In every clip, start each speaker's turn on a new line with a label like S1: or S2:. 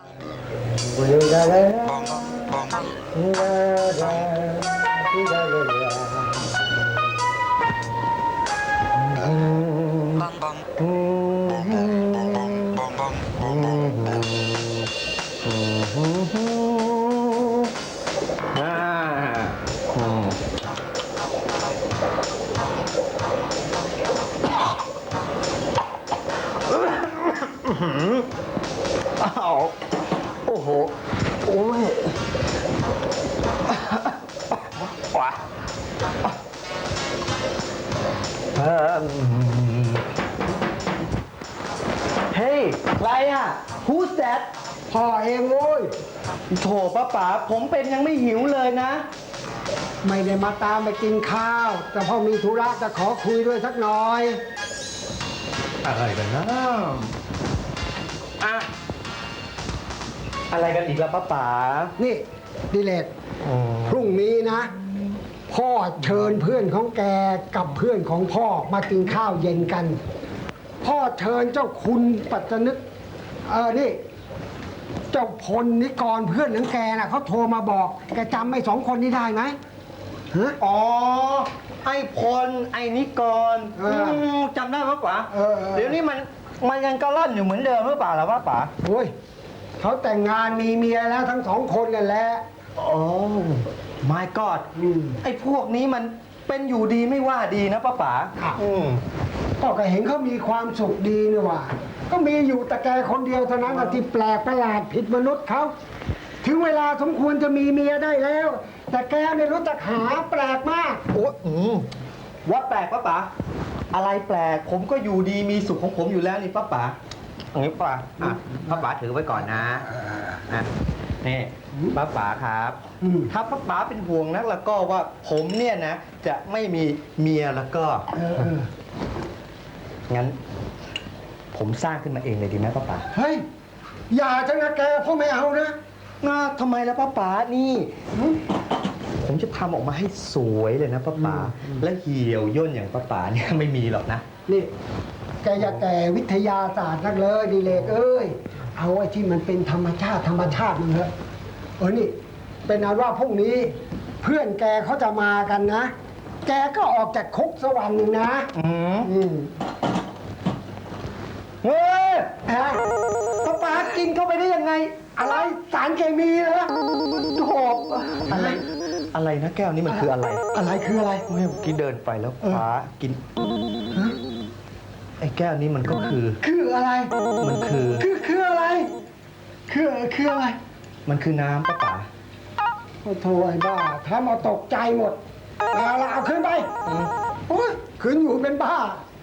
S1: อ้าวโอ้โหโอ้ยว้าเฮ้ยใครอ่ะ Who's that
S2: พ่อเองโว้ย
S1: โถป้าป๋าผมเป็นยังไม่หิวเลยนะ
S2: ไม่ได้มาตามไปกินข้าว แต่พ่อมีธุระจะขอคุยด้วยสักหน่อย
S1: อะไรกันนะอะอะไรกันอีกแล้วป้าป๋า
S2: นี่ดิเลกพรุ่งนี้นะ พ่อเชิญเพื่อนของแกกับเพื่อนของพ่อมากินข้าวเย็นกัน พ่อเชิญเจ้าคุณปัจจนึกนี่เจ้าพลนิกรเพื่อนของแกน่ะเขาโทรมาบอกแกจำไอ้สองคนนี้ได้ไหมฮะ
S1: อ๋อไอ้พลไอ้นิกรจำได้ป้าป๋าเดี๋ยวนี้มันยังกระล่อนอยู่เหมือนเดิมหรือเปล่าล่ะป้าป๋า
S2: โอ้ยเขาแต่งงานมีเมียแล้วทั้งสองคนกันแหละ
S1: โอ้ my god ไอ้พวกนี้มันเป็นอยู่ดีไม่ว่าดีนะป้าป๋า
S2: พ่อก็เห็นเขามีความสุขดีนี่หว่าก็มีอยู่แต่แกคนเดียวเท่านั้นที่แปลกประหลาดผิดมนุษย์เขาถึงเวลาสมควรจะมีเมียได้แล้ว แต่แกไม่รู้จักหาแปลกมาก
S1: โอ้ว่าแปลกป้าป๋าอะไรแปลกผมก็อยู่ดีมีสุขของผมอยู่แล้วนี่ป้าป๋าอย่างนี้ป้าป้าป๋าถือไว้ก่อนนะนี่ป้าป๋าครับถ้าป้าป๋าเป็นห่วงนักแล้วก็ว่าผมเนี่ยนะจะไม่มีเมียแล้วก็งั้นผมสร้างขึ้นมาเองเลยดีไหมป้าป๋า
S2: เฮ้ยอย่าจะนะแกพ่อไม่เอานะ
S1: ทำไมล่ะป้าป๋านี่ผมจะทำออกมาให้สวยเลยนะป้าป๋าและเหี่ยวย่นอย่างป้าป๋าเนี่ยไม่มีหรอกนะ
S2: นี่แกอย่าแก่วิทยาศาสตร์นักเลยดีเลกเอ้ยเอาไอ้ที่มันเป็นธรรมชาติมันเถอะนี่เป็นอันว่าพรุ่งนี้เพื่อนแกเขาจะมากันนะ แกก็ออกจากคุกสวรรค์หนึ่งนะ
S1: เฮ้ย
S2: ป้าป๋ากินเข้าไปได้ยังไง อะไรสารเคมีเหรอโถบ
S1: อะไรนะแก้วนี้มันคืออะไร
S2: อะไรคืออะไร
S1: เมื่อกี้เดินไปแล้วฟ้ากินไอ้แก้วนี้มันก็คือ
S2: อะไร
S1: มันคือ
S2: อะไรคืออะไร
S1: มันคือน้ำป้าป๋า
S2: โอ้โถไอ้บ้าทำเอาตกใจหมดเอาขึ้นไปโอ้ยขึ้นอยู่เป็นบ้า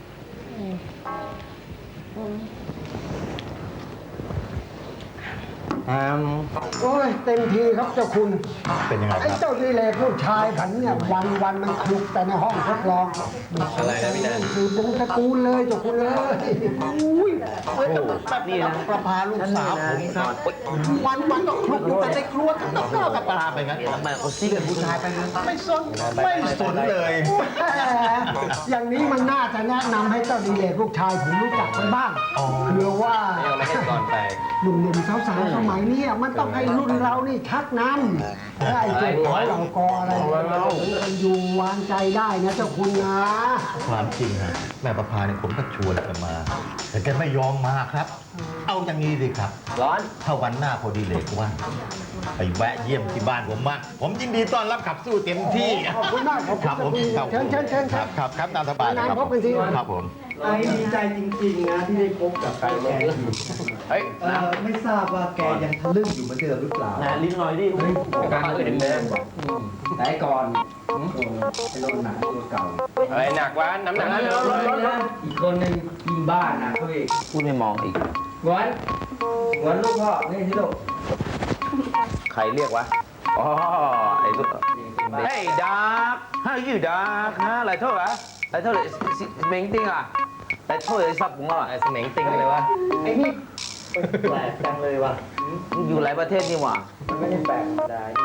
S2: โอ้ยเต็มทีครับเจ้าคุณ
S3: เป็นยังไงครับ
S2: ไอ้เจ้าดีเลยผู้ชายผันเนี่ยวันมันคลุกแต่ในห้องทดลอง
S3: อะไรนะพี่แดน
S2: คือวงตระกูลเลยเจ้าคุณเลยอุ้ย
S3: แบบนี้นะประพาลูกสาวผมครับวันก็คลุกอยู่แต่ในครัวต้องก้าวกับปลาไปงั้นทำไมเขาซีเป็นผู้ชายไปเลยไม่สนเลย
S2: อย่างนี้มันน่าจะแนะนำให้เจ้าดีเลยลูกชายผมรู้จักมันบ้างเผื่อว่าหนุ่มๆสาวๆสมัยนี้มันต้องให้รุ่นเรานี่ชักนำไอ้เจ้าของเรากออะไรเราอยู่วางใจได้นะเจ้าคุณนะ
S3: ความจริงฮะแม่ประพาเนี่ยผมก็ชวนแกมา แต่แกไม่ยอมมาครับ เอาอย่างนี้สิครับร้อนถ้าวันหน้าพอดีเลยว่าไปแวะเยี่ยมที่บ้านผมมากผมยินดีต้อนรับขับสู้เต็มที่
S2: ขอบคุณมาก
S3: ครับผม
S2: เชิญ
S3: ครับตามสบายครับ
S2: พบกันสิ
S3: ครับผม
S1: ไอ้ดีใจจริงๆนะที่ได้พบกับแกอยู่เฮ้ยไม่ทราบว่าแกยังทะลึ่งอยู่เหมือนเดิมหรือเปล่า
S4: นะลิ้นหน่อยดิการเห็นเลยไหนก่อนไอ้โดนหนักตัวเก่าเฮ้ยหนักวะน้ำหนักอีกคนนึงยิงบ้านนะเขาอีกพูดไม่มองอีกวันลูกพ่อนี่ที่ลูกใครเรียกวะอ๋อไอ้ลูกเฮ้ยดาร์กhow you dark ฮะอะไรเท่าไหร่อะไรเท่าไหร่เม้งติ้งอ่ะอะไรเท่าไหร่ซับผมอ่ะไอ้เม้งติ้งเลยวะไอ้นี่แปลกจังเลยวะอยู่หลายประเทศนี่หว่ามันไม่ได้แปลกธรรมดา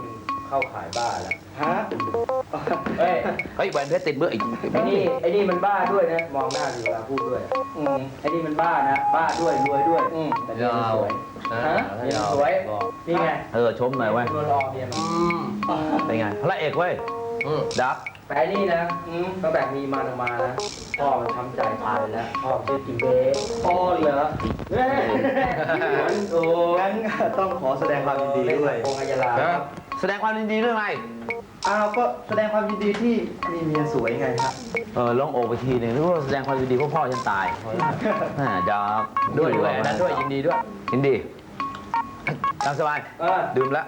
S4: เข้าขายบ้าแล้ว
S1: ฮะ
S4: เฮ้ยแหวนเพชรติดมืออีกไอ้นี่มันบ้าด้วยนะ มองหน้าอยู่เวลาพูดด้วยไอ้นี่มันบ้านะ บ้าด้วยรวยด้วยแต่เมียมันสวยฮะเมียมันสวยนี่ไง
S5: ชมหน่อยเว้ย
S4: ตัวรอเมียมัน
S5: เป็นไง พระเอกเว้ย ดับ
S4: แต่ไอ้นี่นะตั้งแต่มีมันออกมานะพ่อมันช้ำใจตายแล้วพ่อชื่อจิมเบ้พ่อเหรอโอ้
S1: งั้นต้องขอแสดงความยินดีด้วย
S4: องค์อัยยาลาครับ
S5: แสดงความยินดีด้วยไง
S1: อ้าวก็แสดงความยินดีที่มีเมียสวยไงครับ
S5: ลองโอบไปทีหนึ่งนึกว่าแสดงความยินดีเพราะพ่อฉันตายดับ
S4: ด้วยแหวนนั้นด้วยยินดีด้วย
S5: ยินดีตามสบาย ดื่มละ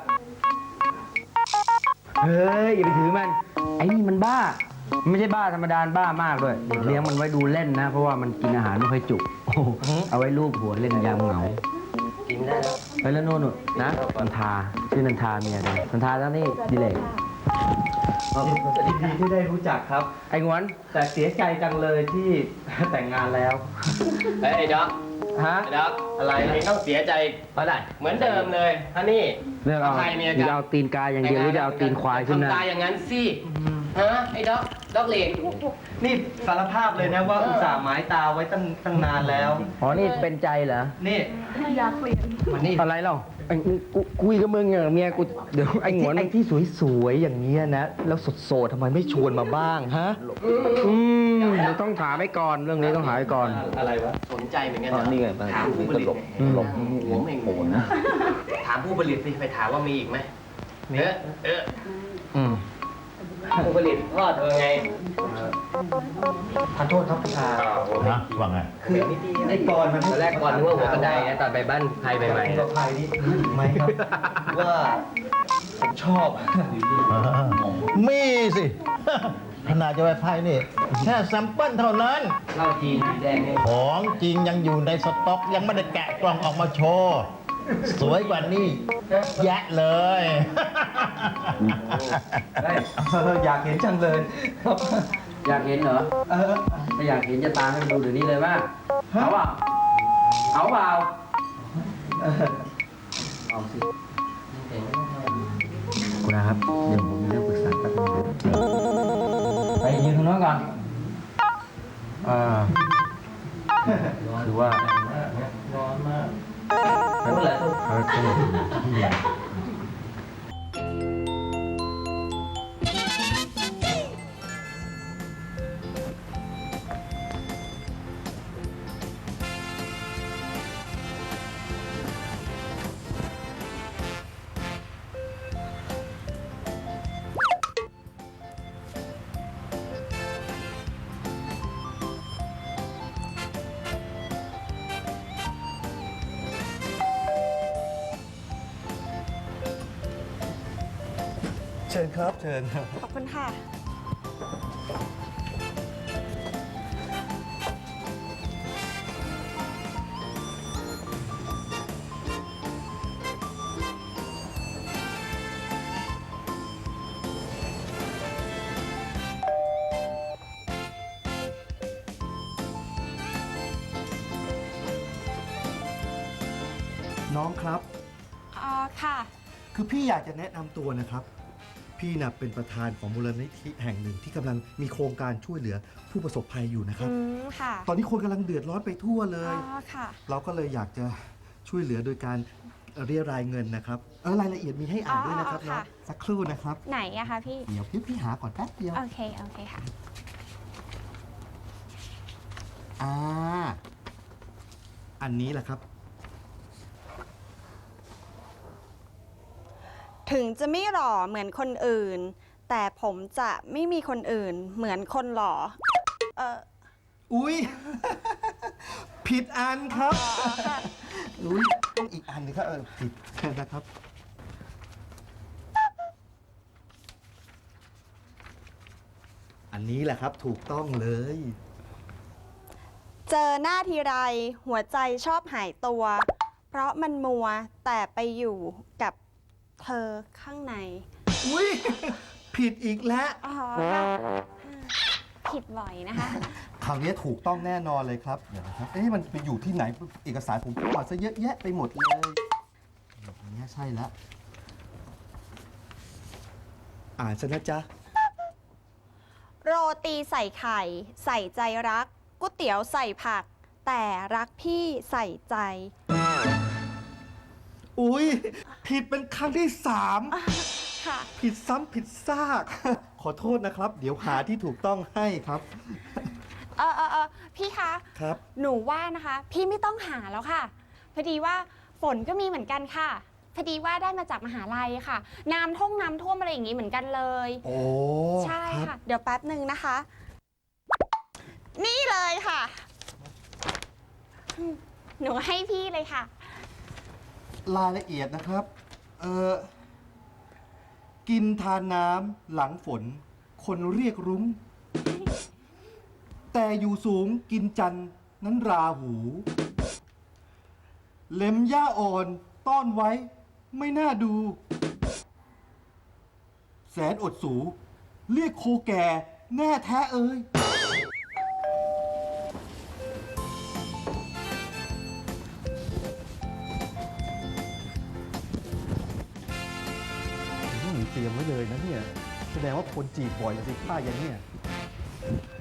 S4: เฮ้ยอย่าไปถือมันไอ้นี่มันบ้ามันไม่ใช่บ้าธรรมดาบ้ามากด้วยเด็กเลี้ยงมันไว้ดูเล่นนะ เพราะว่ามันกินอาหารไม่ค่อยจุกเอาไว้ลูบหัวเล่นยามเหงากินได้แล้วไปแล้วโน่นนะนันทาชื่อนันทาเมียกันนันทาแล้วนี่ดิเลก
S1: ยินดีที่ได้รู้จักครับ
S4: ไอ้งวน
S1: แต่เสียใจจังเลยที่แต่งงานแล้ว
S6: ไอ้ด็อก
S1: ฮะ
S6: ไอ้ด็อกอะไรเองต้องเสียใจ
S5: เพราะอะไร
S6: เหมือนเดิมเลยฮันนี่
S4: เลือกเอา
S6: ใครเมีย
S4: จะ
S6: กัน
S4: เอาตีนกาอย่างเดียวหรือจะเอาตีนควายขึ้นหน้า
S6: ทำตาอย่างนั้นสิฮะไอ้ด็อกเหล็ก
S1: นี่สารภาพเลยนะว่าอุตส่าห์หมายตาไว้ตั้งนานแล้ว
S4: อ๋อนี่เป็นใจเหรอ
S1: นี่มันนี่
S4: อะไรเล่าไอ้กูคุยกับมึงอะเมียกูเดี๋ยวไอ้งวน
S1: ไอ้ที่สวยๆอย่างเงี้ยนะ แล้วสดๆทำไมไม่ชวนมาบ้างฮะ
S4: เดี๋ยวต้องถามไว้ก่อนเรื่องนี้ต้องถามไว้ก่อน
S1: อะไรวะ
S6: สนใจเหมือนกัน
S5: อ๋อ
S6: นะ
S5: นี่ไง
S6: ถามผู้ผลิต
S5: หลบ
S6: หัวเม่งโหนนะถามผู้ผลิตสิไปถามว่ามีอีกไหมเออผู้ผลิตพ่อเธอไง
S1: ขอโทษครับพี่ชา
S3: นะว่าไง
S1: คือไอ้กรมัน
S6: ตอนแรกก่อนนึกว่าหัวกระไดนะตอนไปบ้านใครใหม่ๆ
S1: กั
S6: นะ
S1: บใครนี่ไหมครับว่าผมชอบ
S3: มีสิ ขนาดจะไปไพ่นี่แค่แซมเปิลเท่านั้น
S6: เหล้าจีนสีแดงเนี่ย
S3: ของจริงยังอยู่ในสต็อกยังไม่ได้แกะกล่องออกมาโชว์ สวยกว่านี้แยะเลย
S1: อยากเห็นจังเลยครับ
S4: อยากเห็นเหรอ ถ้าอยากเห็นจะตามให้มันดูเดี๋ยวนี้เลยว่าเอาเปล่าเอาเปล่าเอาสิคุณนะครับเดี๋ยวผมมีเรื่องปรึกษาแป๊บนึงไปยืนตรงโน้นก่อนคือว่าร้อนมากไม่เป็นไร
S1: เชิญครับเชิญ
S7: ขอบคุณค่ะ
S1: น้องครับ
S7: ค่ะ
S1: คือพี่อยากจะแนะนำตัวนะครับ พี่น่ะเป็นประธานของมูลนิธิแห่งหนึ่งที่กำลังมีโครงการช่วยเหลือผู้ประสบภัยอยู่นะครับ
S7: ค่ะ
S1: ตอนนี้คนกำลังเดือดร้อนไปทั่วเลย
S7: ค่ะ
S1: เราก็เลยอยากจะช่วยเหลือโดยการเรียรายเงินนะครับรายละเอียดมีให้อ่านด้วยนะครับ
S7: ค่ะ
S1: เนาะสักครู่นะครับ
S7: ไหนอะคะพี่
S1: เดี๋ยวพี่หาก่อนแป๊บเดียว
S7: โอเค โอเคค่ะ
S1: อันนี้แหละครับ
S7: ถึงจะไม่หล่อเหมือนคนอื่น แต่ผมจะไม่มีคนอื่นเหมือนคนหล่อ
S1: อุ้ย ผิดอันครับอุ้ยต้องอีกอันหนึงครับผิดนะครับ อันนี้แหละครับถูกต้องเลย
S7: เจอหน้าทีไรหัวใจชอบหายตัว เพราะมันมัวแต่ไปอยู่กับเธอข้างใน
S1: อุ้ย ผิดอีกแล้ว
S7: อ๋อค่ะผิดบ่อยนะคะ
S1: คราวนี้ถูกต้องแน่นอนเลยครับเดี๋ยวนะครับมันไปอยู่ที่ไหนเอกสารผมกวาดซะเยอะแยะไปหมดเลยแบบนี้ใช่แล้วอ่านซะนะจ๊ะ
S7: โรตีใส่ไข่ ใส่ใจรักก๋วยเตี๋ยวใส่ผัก แต่รักพี่ใส่ใจ
S1: อุ๊ย ผิดเป็นครั้งที่
S7: ค่ะ
S1: 3 ผิดซ้ำผิดซาก ขอโทษนะครับ เดี๋ยวหาที่ถูกต้องให้ครับ
S7: พี่คะ
S1: ครับ
S7: หนูว่านะคะ พี่ไม่ต้องหาแล้วค่ะ พอดีว่าฝนก็มีเหมือนกันค่ะ พอดีว่าได้มาจากมหาลัยค่ะ น้ำท่วมอะไรอย่างนี้เหมือนกันเลย
S1: โอ้
S7: ใช่
S1: ครับ
S7: ค่ะ เดี๋ยวแป๊บหนึ่งนะคะ นี่เลยค่ะ หนูให้พี่เลยค่ะ
S1: รายละเอียดนะครับ กินทานน้ำหลังฝน คนเรียกรุ้ง แต่อยู่สูงกินจันทร์นั้นราหู เล็มหญ้าอ่อนต้อนไว้ไม่น่าดู แสนอดสู เรียกโคแก่แน่แท้เอ่ย เตรียมไว้เลยนะเนี่ย แสดงว่าคนจีบบ่อยสิป้าอย่างเนี้ย